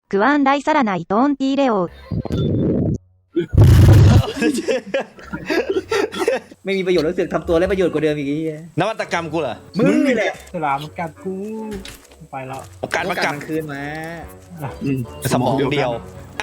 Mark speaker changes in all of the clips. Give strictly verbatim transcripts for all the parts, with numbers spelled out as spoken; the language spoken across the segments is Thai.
Speaker 1: クワンライサラナイトーンティーレオ
Speaker 2: ไม่มีประโยชน์แล้วเสือกทำตัวได้ประโยชน์กว่าเดิมอีกไอ้เหี้ย
Speaker 3: นวัตกรรมกูเหรอ
Speaker 2: มึงนี่แหละ
Speaker 4: ฉลามมันกัดกูไปแล้ว
Speaker 3: โอกาสมากัด
Speaker 2: คืนมา
Speaker 3: สมองเดียว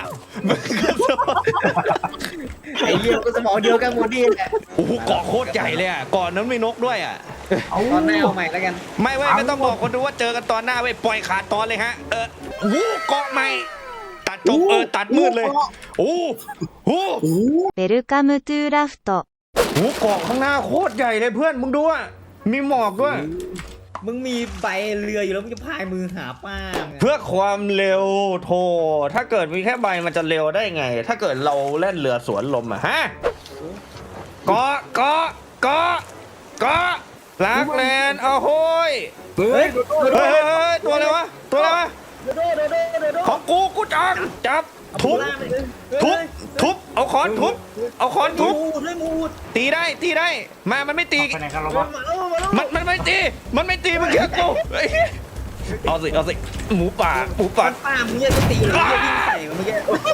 Speaker 2: ไอ้เหี้ยก็สมองเดียวกันหมดนี่แหละ
Speaker 3: โอ้โหเกาะโคตรใหญ่เลยอ่ะเกาะนั้นมีนกด้วยอ่ะ
Speaker 2: ตอนหน้าเอาใหม่แล้วกัน
Speaker 3: ไม่เว้ยไม่ต้องบอกคนดูว่าเจอกันตอนหน้าเว้ยปล่อยขาดตอนเลยฮะเออวู้เกาะใหม่ตัดจบเออตัดมืดเลยโอ้โห
Speaker 1: ベルカムトゥーラフト
Speaker 3: โอ้โหเกาะข้างหน้าโคตรใหญ่เลยเพื่อนมึงดูอ่ะมีหมอกด้วย
Speaker 2: มึงมีใบเรืออยู่แล้วมึงจะพายมือหาป้าไง
Speaker 3: เพื่อความเร็วโทถ้าเกิดมีแค่ใบมันจะเร็วได้ไง ถ้าเกิดเราเล่นเรือสวนลมอะฮะเกาะเกาะเกาะเกาะลักแลนด์เอาโห้ย
Speaker 4: เฮ้ย
Speaker 3: เฮ้ยเฮ้ยตัวอะไรวะตัวอะไรวะ
Speaker 2: โดโดโดโดโดโด
Speaker 3: ของกูกูจับจับทุบทุบทุบเอาค้อนทุบเอาค้อนทุบ
Speaker 2: มูดเลยมูด
Speaker 3: ตีได้ตีได้มามันไม่ตี
Speaker 4: ไปไหนกันแล้ว
Speaker 2: มาว
Speaker 4: ะ
Speaker 2: แล้วมาแล้ว
Speaker 3: มันมันไม่ตีมันไม่ตีมันแค่กูเฮ้ยเอาสิเอาสิหมูป่าหมูป่า
Speaker 2: ป้ามึงเนี่ยจะตีหรือจะยิงใส่มึงเมื่อกี้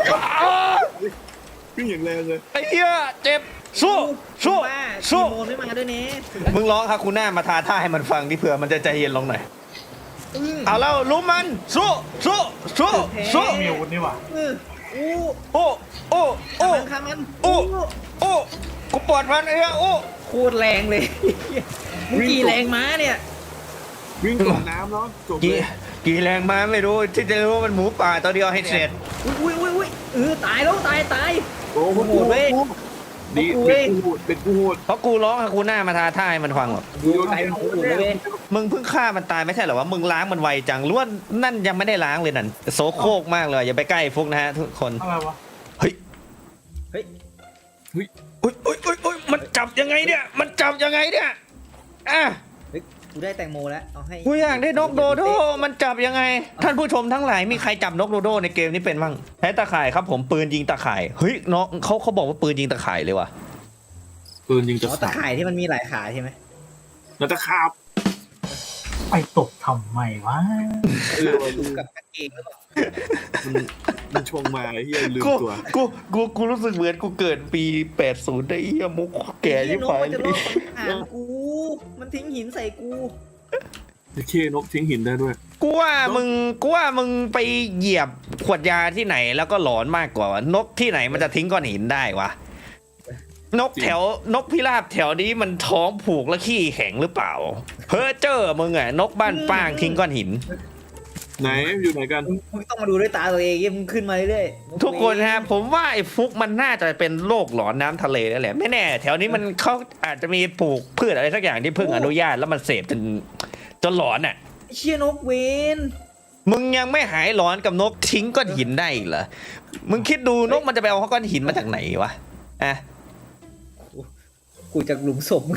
Speaker 4: ขึ้นอย่างแรงเลย
Speaker 3: ไอ้เหี้ยเจ็บสู้สู้
Speaker 2: ป้า
Speaker 3: สู้
Speaker 2: โมนไม่มาด้วยเน่
Speaker 3: มึงร้องฮาคูน่ามาทาท่าให้มันฟังดิเผื่อมันจะใจเย็นลงหน่อยเอาแล้วรู้มันสู้สู้สู้สู้
Speaker 4: มีอาวุธนี่หว่า
Speaker 2: เอออู้
Speaker 3: โอ้โอ้โอ้
Speaker 2: ข้ามมัน
Speaker 3: โอ้โอ้กูปวดพันไอ้เหี้ยโอ้
Speaker 2: โคตรแรงเลยมึงกี่แรงม้าเนี่ย
Speaker 4: วิ่งตกน้ำเนาะจบเล
Speaker 3: กี่
Speaker 4: ย
Speaker 3: กี่แรงมาไม่รู้ที่จะรู้ว่ามันหมูป่าตัวเดียวให้เสร็จ
Speaker 2: อุ้ยอุ้ยอุ้ยเออตายแล้วตายตาย
Speaker 4: โอ้โห
Speaker 2: โหดเว้ย
Speaker 4: ดี
Speaker 2: โอ้โห
Speaker 4: เป็นกูโหดเป็นกูโหด
Speaker 3: เพราะกูร้องฮาคูน่ามาทาท่าให้มันฟังหรอก
Speaker 2: ดูไกลมันโหดเลยเว้ย
Speaker 3: มึงเพิ่งฆ่ามันตายไม่ใช่เหรอวะมึงล้างมันไวจังหรือว่านั่นยังไม่ได้ล้างเลยนั่นโซโครกมากเลยอย่าไปใกล้ฟุกนะฮะทุกคน
Speaker 4: อะไรวะ
Speaker 3: เฮ้ย
Speaker 2: เฮ้ย
Speaker 3: อุ้ยอุ้ยอุ้ยอุ้ยมันจับยังไงเนี่ย มันจับยังไงเนี่ย อ่ะ
Speaker 2: เฮ้ยกูได้แตงโมแล้วเอาให้
Speaker 3: กูอยากได้นกโดโด มันจับยังไง ท่านผู้ชมทั้งหลาย มีใครจับนกโดโดในเกมนี้เป็นบ้างใช้ตะข่ายครับผมปืนยิงตะข่าย เฮ้ยน้องเขาเขาบอกว่าปืนยิงตะข่ายเลยว่ะ
Speaker 4: ปืนยิงจะ
Speaker 2: อ๋อตะข่ายที่มันมีหลายขาใช่ไหม
Speaker 4: แล้วจะขาบไปตกทำไมวะ
Speaker 2: เออดูกับกางเกงหรือเปล่า
Speaker 4: มันมันชงมาไอ้เฮียลืม
Speaker 3: กู
Speaker 4: ตัว
Speaker 3: กูกูกูรู้สึกเหมือนกูเกิดปีแปดสิบได้เหี้ยมุกแก่ยิ่ง
Speaker 2: น
Speaker 3: ไป
Speaker 2: กมันจะลอกอ่านกู มันทิ้งหินใส่กู
Speaker 4: ไอ้เคนกทิ้งหินได้ด้วย
Speaker 3: กูว่ามึงกูว่ามึงไปเหยียบขวดยาที่ไหนแล้วก็หลอนมากกว่าวะนกที่ไหนมันจะทิ้งก้อนหินได้วะนกแถวนกพิราบแถวนี้มันท้องผูกและขี้แข็งหรือเปล่าเพ้อเจ้อมึงอะนกบ้านป้างทิ้งก้อนหิน
Speaker 4: ไหนอยู่ไหนกัน
Speaker 2: มึงมึงต้องมาดูด้วยตาตัวเองมึงขึ้นมาเรื่อยๆ
Speaker 3: ทุกคนฮะผมว่าไอ้ฟุกมันน่าจะเป็นโรคหลอนน้ำทะเลนั่นแหละไม่แน่แถวนี้มันเขาอาจจะมีปลูกพืชอะไรสักอย่างที่เพิ่งอนุญาตแล้วมันเสพจนจนหลอนอ่ะ
Speaker 2: เชี่ยนกเวน
Speaker 3: มึงยังไม่หายหลอนกับนกทิ้งก้อนหินได้อีกเหรอมึงคิดดูนกมันจะไปเอาก้อนหินมาจากไหนวะอ่ะ
Speaker 2: กูจากหลุมศพมึง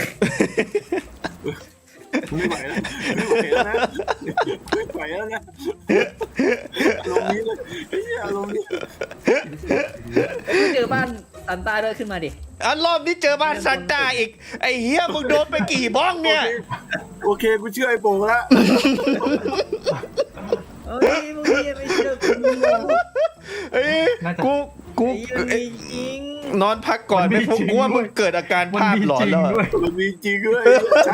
Speaker 4: ไม่ไหวแล้วไม่ไหวแล้วนะไม่ไหวแล้วนะลงนี้เลยไอ้เหี้ยลงนี้
Speaker 2: เจอบ้านซันต้าด้วยขึ้นมาดิ
Speaker 3: อ่ะรอบนี้เจอบ้านซันต้าอีกไอ้เฮียมึงโดนไปกี่บ้องเนี่ย
Speaker 4: โอเคกูเชื่อไอ้โป่งแล้ว
Speaker 2: เอ้ยมึงไม่เชื่อกู
Speaker 3: เอ้ยกูกู
Speaker 2: ไอ้จริง
Speaker 3: นอนพักก่อนไม่ฟุกกูว่ามึงเกิดอาการภาพหลอนแล้วอะ
Speaker 4: มันมีจริงด้วย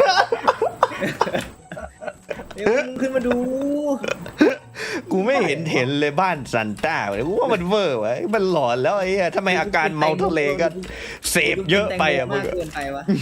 Speaker 2: เดี๋ยวมึงขึ้นมาดู
Speaker 3: กูไม่เห็นเห็นเลยบ้านซันต้าเลยกูว่ามันเวอร์วะมันหลอนแล้วไอ้เหี้ยทำไมอาการเมาทะเลก็เสพเยอะไปอ่ะมึ
Speaker 2: มาง กเกินไปวะ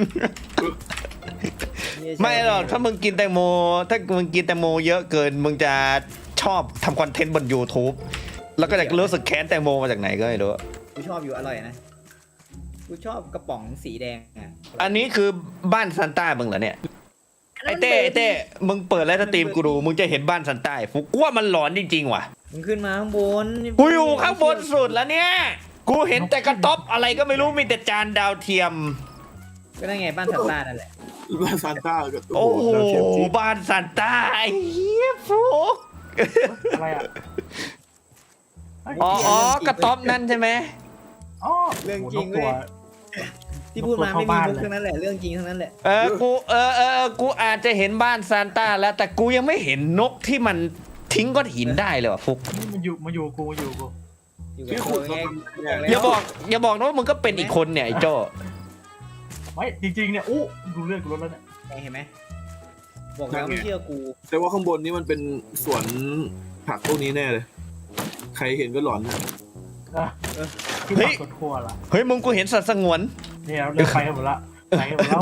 Speaker 3: ไม่หรอกถ้ามึงกินแตงโม ถ้ามึงกินแตงโมเยอะเกินมึงจะชอบทำคอนเทนต์บน YouTube แล้วก็จะรู้สึกแค้นแตงโมมาจากไหนก็ไม่รู้
Speaker 2: กูชอบอยู่อร่อยนะกูชอบกระป๋องสีแดงอ่ะ
Speaker 3: อันนี้คือบ้านซันต้ามึงเหรอเนี่ยไอ้เต้ไอ้เต้มึงเปิดไลฟ์สตรีมกูดูมึงจะเห็นบ้านซันต้าฟุกกูว่ามันหลอนจริงๆว่ะ
Speaker 2: มึงขึ้นมาข้างบน
Speaker 3: กูอยู่ข้างบนสุดแล้วเนี่ยกูเห็นแต่กระต๊อบอะไรก็ไม่รู้มีแต่จานดาวเทียม
Speaker 2: ก็ได้ไงบ้านซันต้านั่นแหละ
Speaker 4: บ้านซานต้ากับ
Speaker 3: โอ้โห
Speaker 4: ดาวเทียมจริง
Speaker 3: บ้านซันต้าไอ้เหี้ยฟุก
Speaker 4: อะไรอ่ะ
Speaker 3: อ๋ออ๋อกระต๊อบนั่นใช่ไหม
Speaker 4: อ๋อ
Speaker 2: เรื่องจริง
Speaker 4: ตั
Speaker 2: เว้
Speaker 4: วย
Speaker 2: ที่พูดมาไม่มีมุกทั้งนั้นแหละเรื่องจริงทั้งนั้นแหละ
Speaker 3: เออกูเออเออเออกูอาจจะเห็นบ้านซานต้าแล้วแต่กูยังไม่เห็นนกที่มันทิ้งก้อนหินได้เลยว่ะฟุก
Speaker 5: นี่มันอยู่มาอยู่กูมาอยู่กู
Speaker 2: อยู่
Speaker 4: ที่
Speaker 2: กับ
Speaker 4: ขุ
Speaker 2: กู
Speaker 4: ด
Speaker 2: ไง
Speaker 4: มา
Speaker 3: อย่าบอกอย่าบอกนะว่ามึงก็เป็นอีกคนเนี่ยไอ้โจ้
Speaker 5: ไม่จริงๆเนี่ยอู้ดูเลือดกูลดแล้วเนี่ย
Speaker 2: เห็นไหมบอกแล้วไม่เชื่อกู
Speaker 4: แต่ว่าข้างบนนี้มันเป็นสวนผักพวกนี้แน่เลย ใครเห็นก็หลอนนะ
Speaker 5: เออคือผักสวนครัวละ
Speaker 3: เฮ้ยมึงกูเห็นสัตว์สงวน
Speaker 5: เนี่ยเลือกไปกันหมดละไปกันหมดแล้ว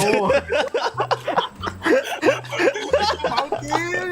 Speaker 4: เอาจริง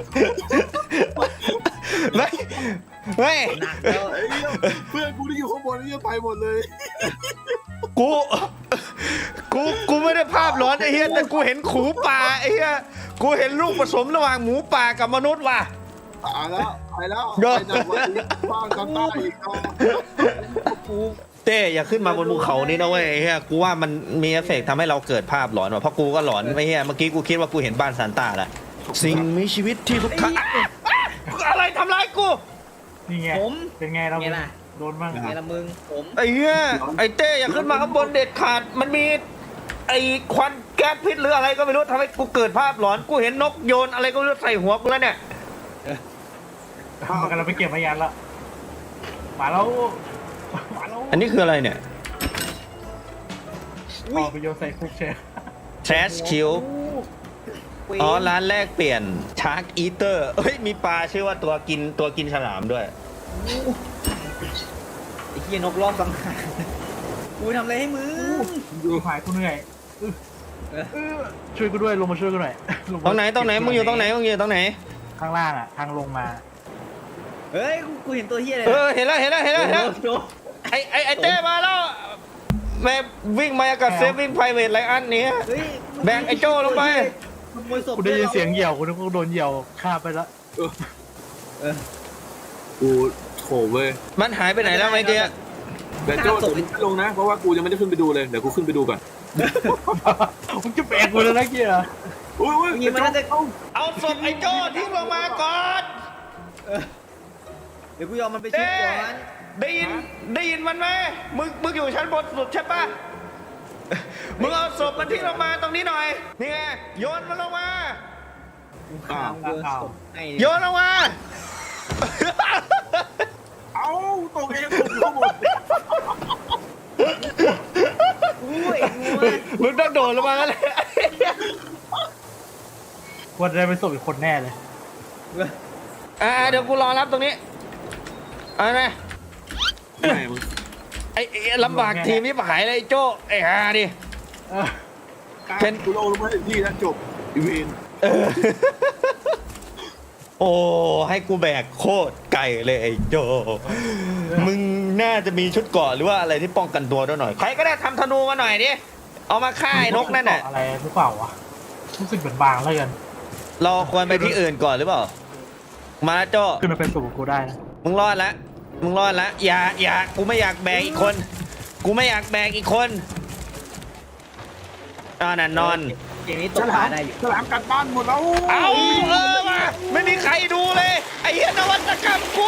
Speaker 3: ไม่ไม่
Speaker 2: หนักแล้ว
Speaker 4: ไอ้เหี้ยเพื่อนกูที่อยู่ข้างบนนี่ไปหมดเลย
Speaker 3: กูกูกูไม่ได้ภาพร้อนไอ้เหี้ยแต่กูเห็นขูป่าไอ้เหี้ยกูเห็นลูกผสมระหว่างหมูป่ากับมนุษย์ว่ะ
Speaker 4: ตายแล้วไปแล้ว
Speaker 3: เดี๋ยว
Speaker 4: ไปจากวันนี้บ้านกันใต้อีกเอา
Speaker 2: กู
Speaker 3: เต้อย่าขึ้นมาบนภูเขานี่นะเว้ยไอ้เหี้ยกูว่ามันมีเอฟเฟกต์ทำให้เราเกิดภาพหลอนว่ะเพราะกูก็หลอนไม่เหี้ยเมื่อกี้กูคิดว่ากูเห็นบ้านซานต้าแหละสิ่งมีชีวิตที่ทุกครั้งอะไรทำร้ายกู
Speaker 5: นี่ไง
Speaker 2: ผม
Speaker 5: เป็นไงเรา
Speaker 2: ไงล่ะ
Speaker 5: โดนบ้าง
Speaker 2: ไงละมึงผม
Speaker 3: ไอ้เหี้ยไอ้เต้อย่าขึ้นมาข้างบนเด็ดขาดมันมีไอ้ควันแก๊สพิษหรืออะไรก็ไม่รู้ทำให้กูเกิดภาพหลอนกูเห็นนกโยนอะไรก็ไม่รู้ใส่หัวกูแล้วเนี่ย
Speaker 5: มันกำลังไปเก็บพยานละมาแล้วมาแล้ว
Speaker 3: อันนี้คืออะไรเนี่ย
Speaker 5: ออกไปโยนใส่คุกเชฟ
Speaker 3: trash kill อ๋อร้านแรกเปลี่ยน shark eater เฮ้ยมีปลาชื่อว่าตัวกินตัวกินฉลามด้วย
Speaker 2: ไอ้เหี้ยนกรอบสังหารกูทำอะไรให้มึง
Speaker 5: ดูหายกูเหนื่อยอื้อเออช่วยกูด้วยลงมาช่วยกูหน่อยลมา
Speaker 3: ตรงไหนตรงไหนมึงอยู่ตรงไหนมึงอยู่ตรงไหน
Speaker 5: ข้างล่างอ่ะทางลงมา
Speaker 2: เฮ้ยกูกูเห็นตัวเหี้ยเลย
Speaker 3: เออเห็นแล้วเห็นแล้วเห็นแล้วเห็นแล้ว
Speaker 2: โดน
Speaker 3: ไอไอไอเต้มาแล้วแม่วิ่งมากับเซฟวิ่งไพรเวทไรอันนี้
Speaker 2: เฮ้ย
Speaker 3: แบ่งไอ้โจ้ลงไป
Speaker 2: ขโมยศพ
Speaker 5: กูได้ยินเสียงเหยี่ยวกูนึกว่าโดนเหยี่ยวฆ่าไปแล้ว
Speaker 4: กูโถเว้ย
Speaker 3: มันหายไปไหนแล้วไอ้เตี้ย
Speaker 4: แต่โจ้เดี๋ยวมึงไม่ลงนะ เพราะว่ากูยังไม่ได้ขึ้นไปดูเลย เดี๋ยวกูขึ้นไปดูก่อน
Speaker 5: มึงจะแบกกูแล้วนะเกียร์
Speaker 4: อุ้ยอุ้ย
Speaker 2: ยิงมันน่าจะ
Speaker 3: เอาศพไอ้โจ้ทิ้งลงมาก่อน
Speaker 2: เดี๋ยวกูยอมมันไปชุบก่อน
Speaker 3: ได้ยินได้ยินมันไหมมึงมึงอยู่ชั้นบนสุดใช่ปะมึงเอาศพมันทิ้งลงมาตรงนี้หน่อยนี่ไงโยนมันลงมา
Speaker 4: อ้าว
Speaker 2: โยนศพให้
Speaker 3: โยนลงมา
Speaker 4: เอาตกเองตกข้างบน
Speaker 2: อุ้ยงูอะ
Speaker 3: มึงต้องโดดลงมาแล้วแหละ
Speaker 5: วันได้ไปส่งอีกคนแน่เลย
Speaker 3: อ่าเดี๋ยวกูรอรับตรงนี้เอาไง
Speaker 4: แม่มึง
Speaker 3: ไอ้ไอ้ลำบากทีมนี้หายเลยไอ้โจ้ไอ้ฮาดิ
Speaker 5: เออ
Speaker 3: เป็น
Speaker 4: กูลงลงมาถึงที่แล้วจบอีเวน
Speaker 3: โอ้ให้กูแบกโคตรไกลเลยไอ้โจมึงน่าจะมีชุดเกราะหรือว่าอะไรที่ป้องกันตัวด้วยหน่อยใครก็ได้ทำธนูมาหน่อยดิเอามาฆ่าไอ้นกนั่นน่ะ
Speaker 5: อะไรหรือเปล่าวะรู้สึกเหมือนบางแล้วกัน
Speaker 3: เราควรไปที่อื่นก่อนหรือเปล่ามาโจ
Speaker 5: ขึ้นมาเป็นสูงกูได้นะ
Speaker 3: มึงรอดละมึงรอดละอย่าอย่ากูไม่อยากแบกอีกคน กูไม่อยากแบกอีกคนอ่านั่นนอน
Speaker 2: เกมนี้ต
Speaker 4: ฉ
Speaker 2: กป
Speaker 4: ลา
Speaker 2: ลาม ได้อยู่
Speaker 4: ฉลามกัดบ้านหมดแล้ว
Speaker 3: เอาเออมาไม่มีใครดูเลยไอ้เหี้ยนวัตกรรมกู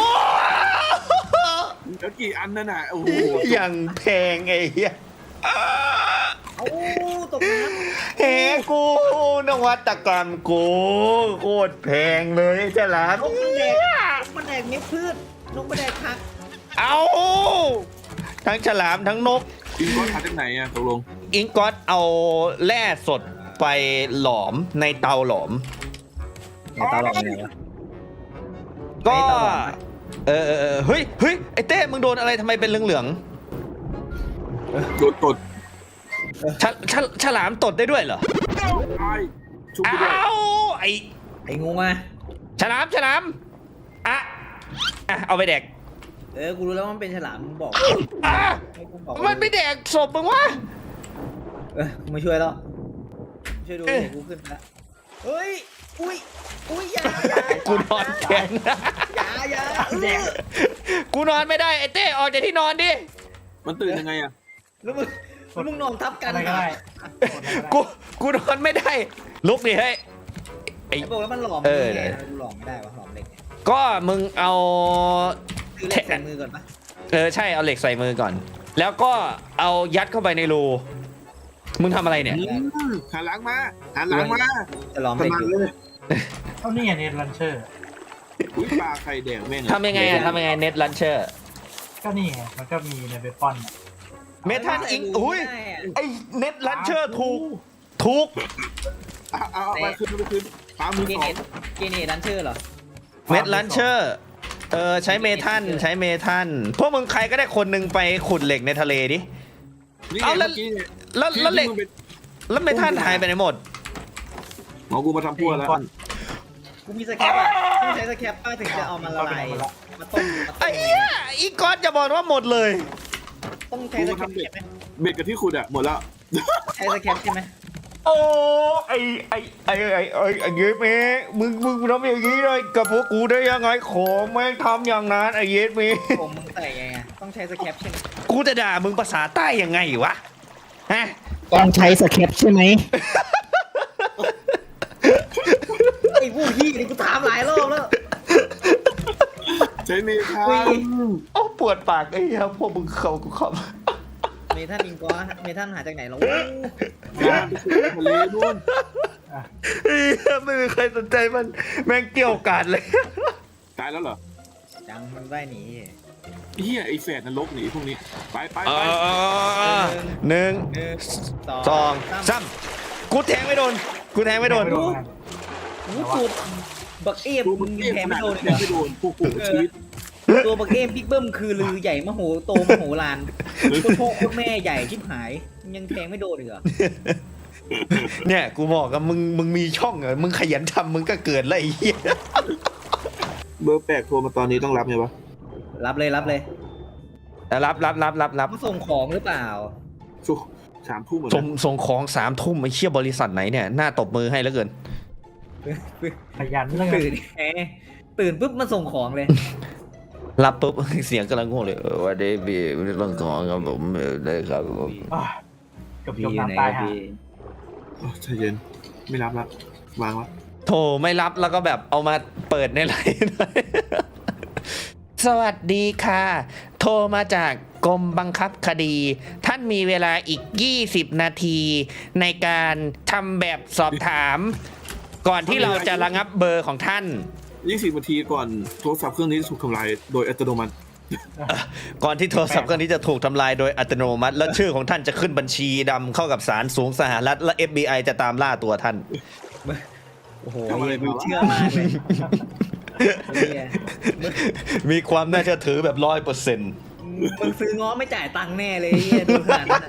Speaker 4: แล้วกี่อันนั่นน่ะโอ้โห
Speaker 3: อย่างแพงไอ้เหี้ย
Speaker 2: เอ้าตกน้
Speaker 3: เฮ้กูนวัตกรรมกูโคตรแพงเลยฉลาม
Speaker 2: ำนกมันแดกนกมันแดกเม็ดพืชนกมันแดกผัก
Speaker 3: เอาทั้งฉลามทั้งนก
Speaker 4: กินก้อนขาจากไหนอ่ะตกลง
Speaker 3: อิงกอตเอาแร่สดไปหลอมในเตาหลอม
Speaker 2: เนี่ยตาหลอกเนี่ยวะ
Speaker 3: ก็
Speaker 2: ไอ้เตาหลอม
Speaker 3: เออเออเออเฮ้ยเฮ้ยไอ้เต้มึงโดนอะไรทำไมเป็นเหลือง
Speaker 4: โดนตด
Speaker 3: ๆฉลฉลฉลามตดได้ด้วยเหรอ
Speaker 4: ตายชุบ
Speaker 3: เอ
Speaker 4: ไปด้วย
Speaker 3: าไอ
Speaker 2: ไอ้งูมา
Speaker 3: ฉลามฉลามอ่ะอ่ะเอาไปแดก
Speaker 2: เออกูรู้แล้วว่ามันเป็นฉลามมึงบอก
Speaker 3: อ่ะ
Speaker 2: ให้กูบอก
Speaker 3: มันไม่แดกศพมึงวะ
Speaker 2: เออกูมาช่วยแล้วช่วยดูเดี๋ยวกูขึ้นไปแล้วเฮ้ยอุ้ยอุ้ยอย่าอย่า
Speaker 3: กูนอนแข็ง
Speaker 2: อย่าอย่าแดก
Speaker 3: กูนอนไม่ได้ไอ้เต้ออกจากที่นอนดิ
Speaker 4: มันตื่นยังไงอ่ะ
Speaker 2: แล้วมึงแล้วมึงนอนทับกัน
Speaker 5: อะไรก็ได้
Speaker 3: กูกูนอนไม่ได้ลุกดิเฮ้ยไอ้
Speaker 2: ไอ้บอกแล้วมันหลอม
Speaker 3: เออ
Speaker 2: ไงกูหลอมไม่ได้วะหลอมเหล็กเนี่ย
Speaker 3: ก็มึงเอา
Speaker 2: ซื้อเหล็กใส่มือก่อนปะ
Speaker 3: เออใช่เอาเหล็กใส่มือก่อน แล้วก็เอายัดเข้าไปในรูมึงทำอะไรเนี่ย
Speaker 4: อืมหันหลังมาหันหลังมา
Speaker 2: จะหลอม
Speaker 4: ข
Speaker 2: เหล็ก
Speaker 4: นาด
Speaker 2: อยู่
Speaker 4: เลย
Speaker 5: เท่านี้ไงเนตลันเชอร์
Speaker 4: อุ้ยปลาไข่แดงแม่ง
Speaker 3: ทำยังไงอะทำยังไงเน็ตลันเชอร์
Speaker 5: ก็นี่ไงมันก็มีในเวปอนน่ะ
Speaker 3: เมทัลอิงอุ้ย
Speaker 2: ได้อะ
Speaker 3: ไอเน็ตลันเชอร์ถูกถูก
Speaker 4: เอาเอาเอาไปคืนไปคืนปลามือ
Speaker 2: เก
Speaker 4: สอ
Speaker 2: เน
Speaker 4: ง
Speaker 2: ตเกเนตดันเชอร์เหรอ
Speaker 3: เม็ดลันเชอร์เออใช้เมทัลใช้เมทัลพวกมึงใครก็ได้คนหนึ่งไปขุดเหล็กในทะเลดิ
Speaker 4: นี่ไง
Speaker 3: เอาแล้ว
Speaker 4: เมื่อกี้เนี่ย
Speaker 3: แล้วแล้วเหล็ก
Speaker 4: ที่มึงไป
Speaker 3: แล้วเมทัลหายไปไหนหมด
Speaker 4: หมอกูมาทำพั่วแล้ว
Speaker 2: กูมีสแคปอ่ะต้องใช้สแคปป้าถึงจะเอามาละลายมาต้มมาต้
Speaker 3: ไอ้
Speaker 2: ม
Speaker 3: เหี้ยอีกอนจะบอกว่าหมดเลย
Speaker 2: ต้องใช้สแคปใช่ไหม
Speaker 4: เบ็ดกับที่ขุดอะหมดแล้ว
Speaker 2: ใช้สแคปใช่ไหม
Speaker 3: โอ้ไอไอไอไอไอไอเยสเมมึงมึงทำอย่างนี้เลยกับพวกกูได้ยังไงขอแม่งทำอย่างนั้นไอเยสเม
Speaker 2: ผมมึงใส่ไงอะต้องใช้สแคปใช่ไหม
Speaker 3: กูจะด่ามึงภาษาใต้ยังไงวะฮะ
Speaker 6: ต้องใช้สเคปใช่ไหม
Speaker 2: ไอ้พวกพี่นี่กูถามหลายรอบแล้ว
Speaker 4: ใช้เมทา
Speaker 2: อุ้ย
Speaker 3: โอ้ปวดปากไอ้เหี้ยพวกมึงเขากูข
Speaker 2: เมทัลอิงกอเมทัลหาจากไหนแล้ว
Speaker 4: งานไปขุดทะเลนู่น
Speaker 3: ำเหี้ยไม่มีใครสนใจมันแม่งเกี่ยวกาดเลย
Speaker 4: ตายแล้วเหรอ
Speaker 2: จังมันได้หนี
Speaker 4: เฮียไอแฝดนรกหนีพวกนี้ไปไป
Speaker 3: เอ
Speaker 4: ไป
Speaker 3: อหนึ่ง
Speaker 2: หนึ่งสอง
Speaker 3: สองสามกูแทงไม่โดนกูแทงไม่โดน
Speaker 5: ไม่โดน
Speaker 2: กูตูดบักเอฟ
Speaker 4: ตัว
Speaker 2: มึ
Speaker 4: มึ
Speaker 2: ง
Speaker 4: ง
Speaker 2: ยัง
Speaker 4: เท
Speaker 2: แทง
Speaker 4: ข
Speaker 2: ไม่
Speaker 4: นาด
Speaker 2: โดน
Speaker 4: นี้
Speaker 2: เลย
Speaker 4: ไม่โดนพวกกูชีวิต
Speaker 2: ตัวบักเอฟบิ๊กเบิ้มคือลือใหญ่มโหโตมโหฬารตัวพ่อโคตรแม่ใหญ่ชิบหายยังแทงไม่โดนเลยเหรอ
Speaker 3: เนี่ยกูบอกกับมึงมึงมีช่องเหรอมึงขยันทำมึงก็เกิดแล้วไอ้เหี้ย
Speaker 4: เบอร์แปลกโทรมาตอนนี้ต้องรับไงวะ
Speaker 2: รับเลยรับเลย
Speaker 3: รับรับรับรับรับ
Speaker 2: มาส่งของหรือเปล่า
Speaker 4: สุสามทุ่มเหมือน
Speaker 3: ส่
Speaker 4: กั
Speaker 3: ง
Speaker 4: น
Speaker 3: ส่งของสามทุ่มไอ้เชี่ยบริษัทไหนเนี่ยหน้าตบมือให้แล้วเกิน
Speaker 5: ขยันเรื่อง
Speaker 2: ตื่นแหมตื่นปุ๊บมาส่งของเลย
Speaker 3: รับปุ๊บ เสียงกำลังง่วงเลยเออวันนี้พี่เรื่องของครับผมเออได้ครับผม
Speaker 5: เกับจมน้ำตายฮะ
Speaker 4: โอ้ใจเย็นไม่รับละวางละ
Speaker 3: โทรไม่รับแล้วก็แบบเอามาเปิดในไลน์หน่อย สวัสดีค่ะ โทรมาจากกรมบังคับคดี ท่านมีเวลาอีก ยี่สิบ นาที ในการทำแบบสอบถาม ก่อนที่เราจะระงับเบอร์ของท่าน
Speaker 4: ยี่สิบนาทีก่อนโทรศัพท์เครื่องนี้ถูกทำลายโดยอัตโนมัติ
Speaker 3: ก่อนที่โทรศัพท์เครื่องนี้จะถูกทำลายโดยอัตโนมัติ และชื่อของท่านจะขึ้นบัญชีดำเข้ากับศาลสูงสหรัฐและ เอฟ บี ไอ จะตามล่าตัวท่าน
Speaker 2: โอ้โห
Speaker 4: ทำอะไร
Speaker 2: มึ
Speaker 4: มาง วะ
Speaker 2: เชื่อมากเลยเนี่ย
Speaker 3: มีความน่าเชื่อถือแบบร้อยเปอร์เซ็นต์
Speaker 2: มึงซื้อง้อไม่จ่ายตังค์แน่เลยไอ้เหี้ยดูขนาดนั้นอะ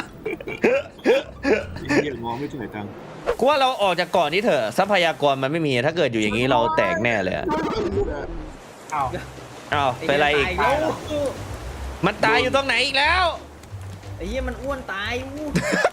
Speaker 4: เฮียงอไม่จ่ายตังค์
Speaker 3: กูว่าเราออกจากก่อนนี้เถอะทรัพยากรมันไม่มีถ้าเกิดอยู่อย่างนี้เราแตกแน่เลยอะ
Speaker 5: อ้าว
Speaker 3: อ้าวเป็นไรอีก
Speaker 2: ไเหี้ยตายแล้ว
Speaker 3: มันตายอยู่ตรงไหนอีกแล้ว
Speaker 2: ไอ้เหี้ยมันอ้วนตายอู้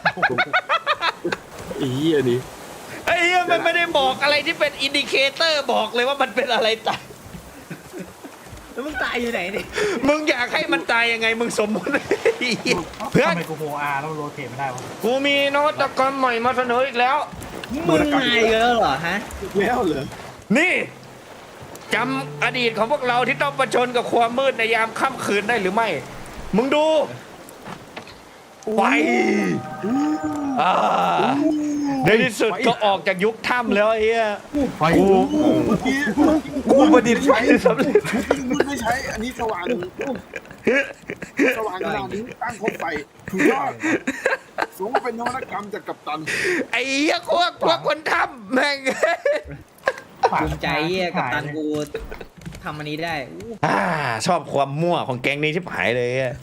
Speaker 4: ไอ้เฮียนี่
Speaker 3: ไอ้เหี้ยมันไม่ได้บอกอะไรที่เป็นอินดิเคเตอร์บอกเลยว่ามันเป็นอะไรตาย
Speaker 2: แล้วมึงตายอยู่ไหนเนี่ย
Speaker 3: มึงอยากให้มันตายยังไงมึงสมมติ เพื่อน
Speaker 5: ทำไมกูโฮอาร์แล้วโรเทตไม่ได้วะ
Speaker 3: กูมีนวัตกรรมใหม่มาเสนออีกแล้ว
Speaker 2: มึงมาเยอะเหรอฮะ
Speaker 4: แล้วเหรอ
Speaker 3: นี่จำอดีตของพวกเราที่ต้องประชนกับความมืดในยามค่ำคืนได้หรือไม่ มึงดูไฟอ่าในที่สุดก็ออกจากยุคถ้ำแล้วไอ้เหี้ย
Speaker 5: ไฟ
Speaker 3: กู
Speaker 4: เมื่อกี้
Speaker 3: กูประดิษฐ์ไฟสำเร็จ
Speaker 4: มึงไม่ใช้อันนี้สว่างสว่างขนาดนี้ตั้งคบไฟถูกต้องสมเป็นนวัตกรรมจากกัปตัน
Speaker 3: ไอ้เหี้ยพวกพวกคนทำแม่ง
Speaker 2: ภูมิใจเหี้ยกับตันกูทำอันนี้ได้อู้
Speaker 3: อ่าชอบความมั่วของแก๊งนี้ชิบหายเลยอะ